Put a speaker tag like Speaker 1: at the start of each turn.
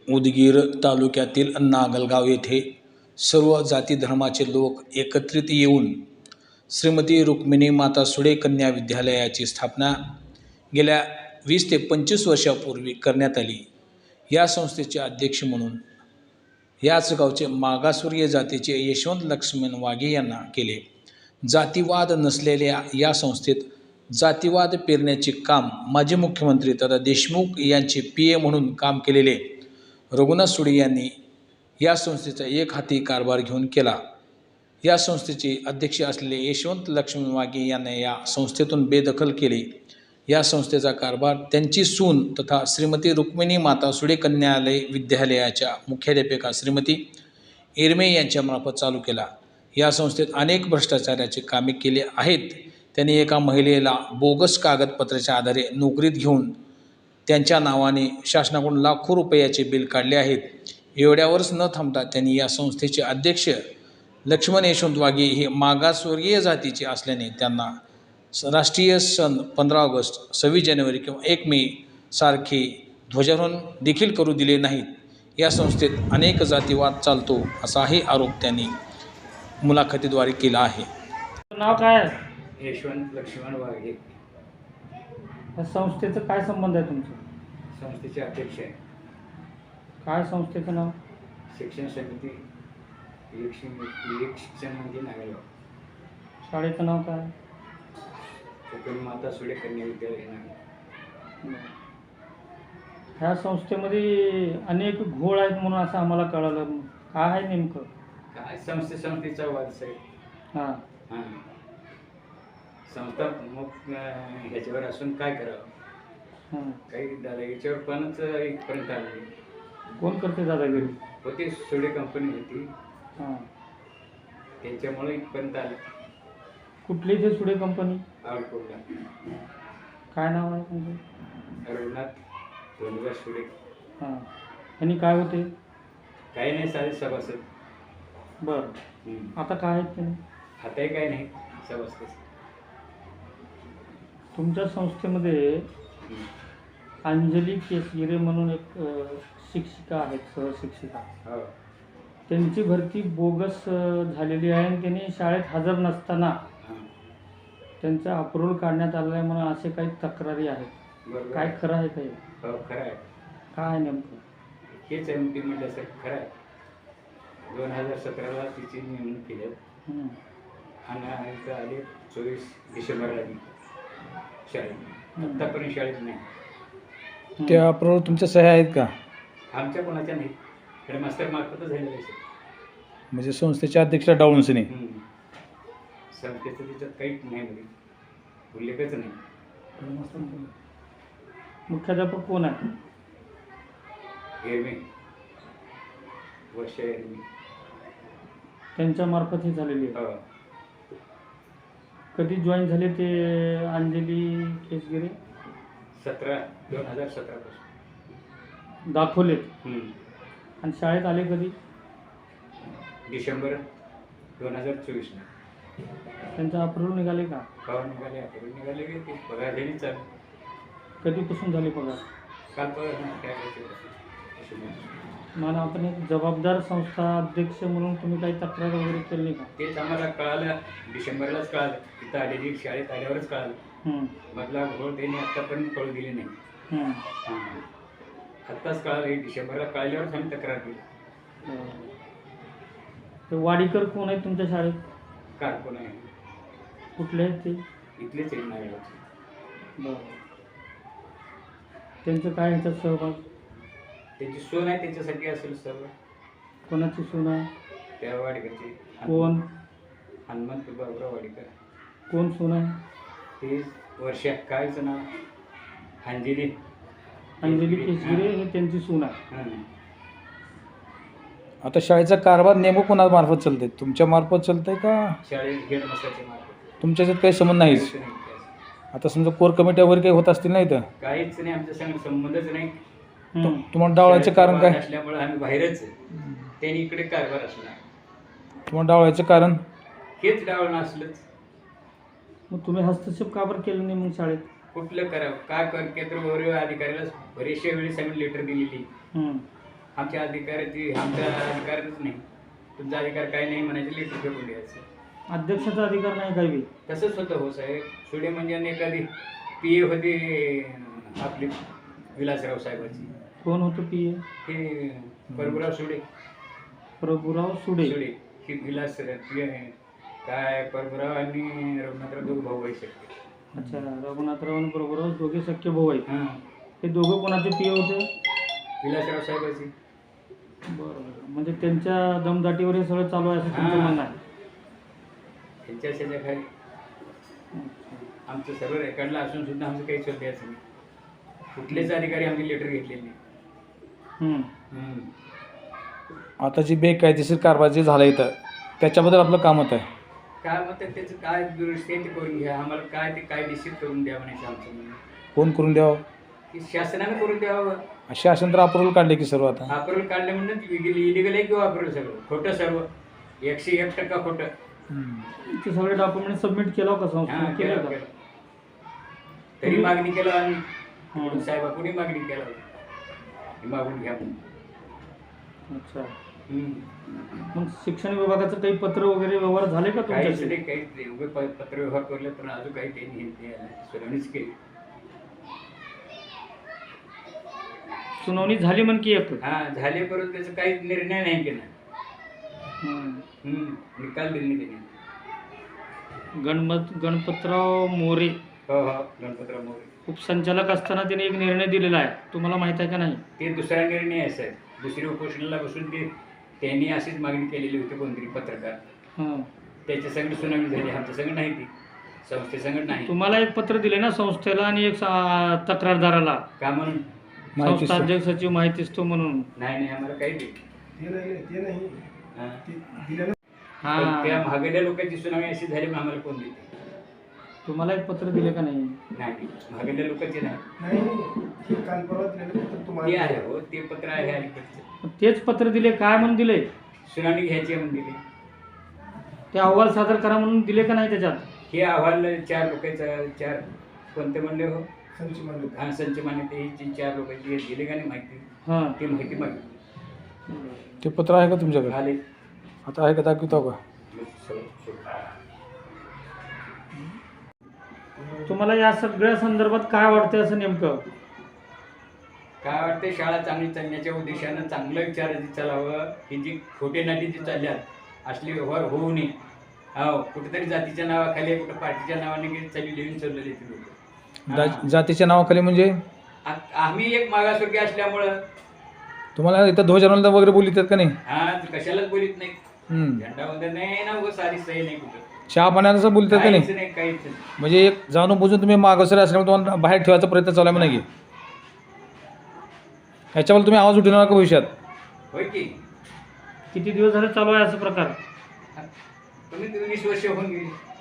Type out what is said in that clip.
Speaker 1: उदगीर तालुक्यातील नागलगाव येथे सर्व जाती धर्माचे लोक एकत्रित येऊन श्रीमती रुक्मिणी माता सुळे कन्या विद्यालयाची स्थापना गेल्या 20 ते 25 वर्षापूर्वी करण्यात आली. या संस्थेचे अध्यक्ष म्हणून याच गावचे मागासवर्गीय जातीचे यशवंत लक्ष्मण वाघे यांना केले. जातीवाद नसलेल्या या संस्थेत जातीवाद पेरण्याचे काम माजी मुख्यमंत्री तथा देशमुख यांचे PA म्हणून काम केलेले रघुनाथ सुळे यांनी या संस्थेचा एक हाती कारभार घेऊन केला. या संस्थेचे अध्यक्ष असलेले यशवंत लक्ष्मण वाघे यांना या संस्थेतून बेदखल केले. या संस्थेचा कारभार त्यांची सून तथा श्रीमती रुक्मिणी माता सुळे कन्यालय विद्यालयाच्या मुख्याध्यापिका श्रीमती इरमे यांच्यामार्फत चालू केला. या संस्थेत अनेक भ्रष्टाचाराचे कामे केले आहेत. त्यांनी एका महिलेला बोगस कागदपत्राच्या आधारे नोकरीत घेऊन त्यांच्या नावाने शासनाकडून लाखो रुपयाचे बिल काढले आहेत. एवढ्यावरच न थांबता त्यांनी या संस्थेचे अध्यक्ष लक्ष्मण यशवंत वाघे हे मागासवर्गीय जातीचे असल्याने त्यांना राष्ट्रीय सण 15 ऑगस्ट, 26 जानेवारी किंवा 1 मे सारखे ध्वजारोहण देखील करू दिले नाहीत. या संस्थेत अनेक जातीवाद चालतो असाही आरोप त्यांनी मुलाखतीद्वारे केला आहे.
Speaker 2: नाव काय आहे?
Speaker 3: यशवंत लक्ष्मण वाघे.
Speaker 2: या संस्थेचं काय संबंध आहे तुमचं?
Speaker 3: संस्थेचे अध्यक्ष आहे.
Speaker 2: काय संस्थेचं नाव?
Speaker 3: शिक्षण समिती एक शिक्षण म्हणजे नागलगाव.
Speaker 2: शाळेचं नाव काय?
Speaker 3: रुक्मिणी माता सुळे कन्या विद्यालय नागलगाव.
Speaker 2: ह्या संस्थेमध्ये अनेक घोळ आहेत म्हणून असं आम्हाला कळालं. काय आहे नेमकं?
Speaker 3: काय संस्थेचा वाद आहे.
Speaker 2: हां
Speaker 3: हां, संस्था मग ह्याच्यावर असून काय करावं,
Speaker 2: हां.
Speaker 3: काही दादागिरीच्यावर पणच इथपर्यंत आले.
Speaker 2: कोण करते दादागिरी?
Speaker 3: होती सुळे कंपनी होती,
Speaker 2: हां.
Speaker 3: त्याच्यामुळे इथपर्यंत आले.
Speaker 2: कुठली ते सुडे कंपनी?
Speaker 3: आवडकोटला.
Speaker 2: काय नाव आहे तुमचं?
Speaker 3: रघुनाथ धोंडगार सुळे.
Speaker 2: हां. आणि काय होते?
Speaker 3: काही नाही, साधे सभासद.
Speaker 2: बरं. आता काय आहेत ते?
Speaker 3: आताही काही नाही, सभासद.
Speaker 2: तुमच्या संस्थेमध्ये अंजली केसगिरे म्हणून एक शिक्षिका आहेत, सहशिक्षिका.
Speaker 3: हो.
Speaker 2: त्यांची भरती बोगस झालेली आहे आणि त्यांनी शाळेत हजर नसताना त्यांचा अप्रूव्हल काढण्यात आलेला आहे म्हणून असे काही तक्रारी आहेत.
Speaker 3: बरोबर.
Speaker 2: काय खरं आहे काही?
Speaker 3: हो, खरं आहे.
Speaker 2: काय आहे नेमकं?
Speaker 3: हेच आहे ती म्हटल्यासारखं खरं आहे. 2017ला तिची नेमणूक केली आणि इथं आले 24 डिसेंबरला शाळेत. आत्तापर्यंत शाळेत नाही.
Speaker 1: त्या अप्रूव्हल तुमच्या सह्या आहेत का?
Speaker 3: आमच्या कोणाच्या नाही, हेडमास्टर मार्फतच झालेलं आहे.
Speaker 1: म्हणजे संस्थेच्या अध्यक्षा डाऊन्सने.
Speaker 3: संस्थेचं त्याच्यात काहीच नाही, म्हणजे उल्लेखच नाही.
Speaker 2: मुख्याध्यापक कोण आहे?
Speaker 3: एरवी वर्ष एरवी.
Speaker 2: त्यांच्या मार्फत ही झालेली आहे.
Speaker 3: हो.
Speaker 2: कधी जॉईन झाले ते अंजली केसगिरे?
Speaker 3: 2017 पासून
Speaker 2: दाखवले. आणि शाळेत आले कधी?
Speaker 3: डिसेंबर 2024ला.
Speaker 2: त्यांचा अप्रूव्हल निघाले का?
Speaker 3: पगार निघाले, आपण निघाले की ते पगार देणे चालू.
Speaker 2: कधीपासून झाले पगार?
Speaker 3: काल पगार नाही, काय करायचं.
Speaker 2: मला आपण एक जबाबदार संस्था अध्यक्ष म्हणून तुम्ही काही तक्रार वगैरे केली नाही का?
Speaker 3: तेच आम्हाला कळालं, डिसेंबरलाच कळालं. तिथं आलेली शाळेत आल्यावरच कळालं. मधला घोळ त्यांनी आत्तापर्यंत कळू दिले नाही. आत्ताच कळालं, डिसेंबरला कळल्यावरच आम्ही तक्रार केली.
Speaker 2: ते वाडीकर कोण आहेत तुमच्या शाळेत?
Speaker 3: कारकून आहे.
Speaker 2: कुठले आहेत ते?
Speaker 3: इथलेच आहे नागलगावचे.
Speaker 2: बरं. त्यांचं काय ह्याच्यात सहभाग?
Speaker 3: त्यांची सून आहे, त्यांच्यासाठी असेल सर्व.
Speaker 2: कोणाची सून आहे?
Speaker 3: त्या वाडीकरची.
Speaker 2: कोण?
Speaker 3: हनुमंत बाबुराव वाडीकर.
Speaker 2: कोण सून आहे?
Speaker 3: ते वर्षा, कायचं नाव? अंजली.
Speaker 2: अंजली केसगिरे हे त्यांची सून आहे.
Speaker 1: आता शाळेचा कारभार नेमकं कोणामार्फत चालतंय? तुमच्या मार्फत चालतंय का?
Speaker 3: शाळेत हेडमास्टरच्या मार्फत.
Speaker 1: तुमच्याच्यात काही संबंध नाहीच? आता समजा कोर कमिट्या वगैरे काही होत असतील नाही तर?
Speaker 3: काहीच नाही, आमच्या संग संबंधच नाही.
Speaker 1: तुम्हाला डावळायचं कारण काय?
Speaker 3: असल्यामुळे आम्ही बाहेरच. त्यांनी इकडे कारभार असला.
Speaker 1: तुम्हाला डावळायचं कारण?
Speaker 3: हेच डावळणं असलंच.
Speaker 2: मग तुम्ही हस्तक्षेप का बरं केलं नाही मग शाळेत?
Speaker 3: कुठलं करावं, काय केंद्र वगैरे अधिकाऱ्याला बरेचशा वेळेस आम्ही लेटर दिलेली. आमच्या अधिकारच नाही, तुमचा अधिकार काही नाही म्हणायचं, लेटर फेकून द्यायचं.
Speaker 2: अध्यक्षाचा अधिकार नाही काही बी.
Speaker 3: तसंच होतं हो साहेब. सुडे म्हणजे एखादी पी ए होती आपली विलासराव साहेबाची.
Speaker 2: कोण होतं पी ए?
Speaker 3: हे प्रभुराव सुडे.
Speaker 2: प्रभुराव सुडे.
Speaker 3: ही विलास काय प्रभुराव आणि रघुनाथराव दोघं भाऊ आहे सगळे.
Speaker 2: अच्छा, रघुनाथराव आणि प्रभुराव दोघे सख्य भाऊ आहेत.
Speaker 3: हां,
Speaker 2: हे दोघं कोणाचे पी ए होते?
Speaker 3: विलासराव साहेबाची.
Speaker 2: बरोबर, म्हणजे त्यांच्या दमदाटीवर हे सगळं चालू आहे असं तुमचं
Speaker 3: हां.
Speaker 2: म्हणणं आहे.
Speaker 3: त्यांच्या खाली आमचं सर्व रेकॉर्डला असून सुद्धा आमचं काही शोधायचं नाही. कुठलेच अधिकारी आमची लेटर घेतलेली नाही.
Speaker 1: आता जी बेकायदेशीर कारभार जे झाला इथं त्याच्याबद्दल आपलं काम होत आहे.
Speaker 3: काय मग त्याचं काय दुरुस्ती आहे ते करून घ्या, आम्हाला काय ते कायदेशीर करून द्या म्हणायचं आमचं म्हणणं.
Speaker 1: कोण करून द्यावं?
Speaker 3: की शासनानं करून द्यावं.
Speaker 1: असे असेल तर अप्रुव्हल काढले की सर्व आता
Speaker 3: अप्रुव्हल काढले म्हणून इलिगल आहे किंवा अप्रुव्हल सगळं खोटं, सर्व 101% खोटं.
Speaker 2: ते सगळे डॉक्युमेंट सबमिट केलं का संस्थेने?
Speaker 3: हां,
Speaker 2: केलं
Speaker 3: केलं
Speaker 2: का?
Speaker 3: केलं. तरी मागणी केलं आणि साहेबा कोणी मागणी केलं हे मागून घ्या म्हणून.
Speaker 2: अच्छा, मग शिक्षण विभागाचं काही पत्र वगैरे व्यवहार झाले का
Speaker 3: काहीच
Speaker 2: तुमच्याशी?
Speaker 3: नाही, काही उभे पत्र व्यवहार करले पण अजून काही त्यांनी सुनावणीच केली.
Speaker 2: सुनावणी झाली म्हण की एक?
Speaker 3: हा झाले, परंतु त्याचा काही निर्णय नाही केला. निकाल दिले नाही त्यांनी.
Speaker 2: गणपतराव मोरे
Speaker 3: हो गणपतराव मोरे
Speaker 2: उपसंचालक असताना त्याने एक निर्णय दिलेला आहे, तुम्हाला माहित आहे का नाही?
Speaker 3: ते दुसरा निर्णय आहे साहेब. दुसरी उपोषणाला बसून त्यांनी अशीच मागणी केलेली होती कोणतरी पत्रकार. त्याच्या संगत सुनावणी झाली, आमच्या संगत नाही, ती संस्थेसंगत नाही.
Speaker 2: तुम्हाला एक पत्र दिले ना संस्थेला आणि एक तक्रारदाराला,
Speaker 3: का म्हणून?
Speaker 2: संस्था अध्यक्षाची माहितीच तो म्हणून.
Speaker 3: नाही आम्हाला काही दिली.
Speaker 2: हा,
Speaker 3: महागड्या लोकांची सुनावणी अशी झाली मग आम्हाला कोण देते?
Speaker 2: तुम्हाला एक पत्र दिले का नाही?
Speaker 3: नाही, महागड्या लोकांची नाही. ते आहे हो, ते पत्र आहे अलीकडचं.
Speaker 2: तेच पत्र दिले, काय म्हणून दिले?
Speaker 3: सुनावणी घ्यायची म्हणून दिली.
Speaker 2: ते अहवाल सादर करा म्हणून दिले का नाही त्याच्यात?
Speaker 3: हे अहवाल 4 लोकांचा, 4 कोणते म्हणले हो? संच मान्यता ही 4 लोकांची दिली का नाही माहिती? ती माहिती मागितली.
Speaker 1: ते पत्र आहे का तुमच्याकडे?
Speaker 3: आले
Speaker 1: आता आहे का, दाखवतो का?
Speaker 2: तुम्हाला या सगळ्या संदर्भात काय वाटतं असं नेमकं?
Speaker 3: काय वाटतं, शाळा चांगली चालण्याच्या उद्देशानं चांगलं विचारायचं चालावं. ही जी खोटे नाटी जी चालल्यात असले व्यवहार होऊ नये. हो, कुठेतरी जातीच्या नावाखाली, कुठं पार्टीच्या नावाने चालली लिहून चाललेली ती लोक.
Speaker 1: जातीच्या नावाखाली म्हणजे
Speaker 3: आम्ही एक मागासवर्गीय असल्यामुळं
Speaker 1: तुम्हाला इथं ध्वजवंदन वगैरे बोलतात का नाही?
Speaker 3: कशालाच बोलित नाही. झेंडा वंदन नाही ना, सारी सही नाही कुठं.
Speaker 1: चहा पाण्याचं बोलतात का नाही?
Speaker 3: काहीच नाही.
Speaker 1: म्हणजे एक जाणून बुजून तुम्ही मागासरी असल्यामुळे तुम्हाला बाहेर ठेवायचा प्रयत्न चालू आहे म्हणा की. ह्याच्यावर तुम्ही आवाज उठवणार का भविष्यात?
Speaker 3: होय की.
Speaker 2: किती दिवस झाले चालू आहे असं प्रकार?
Speaker 3: तुम्ही 20 वर्ष होऊन गेली.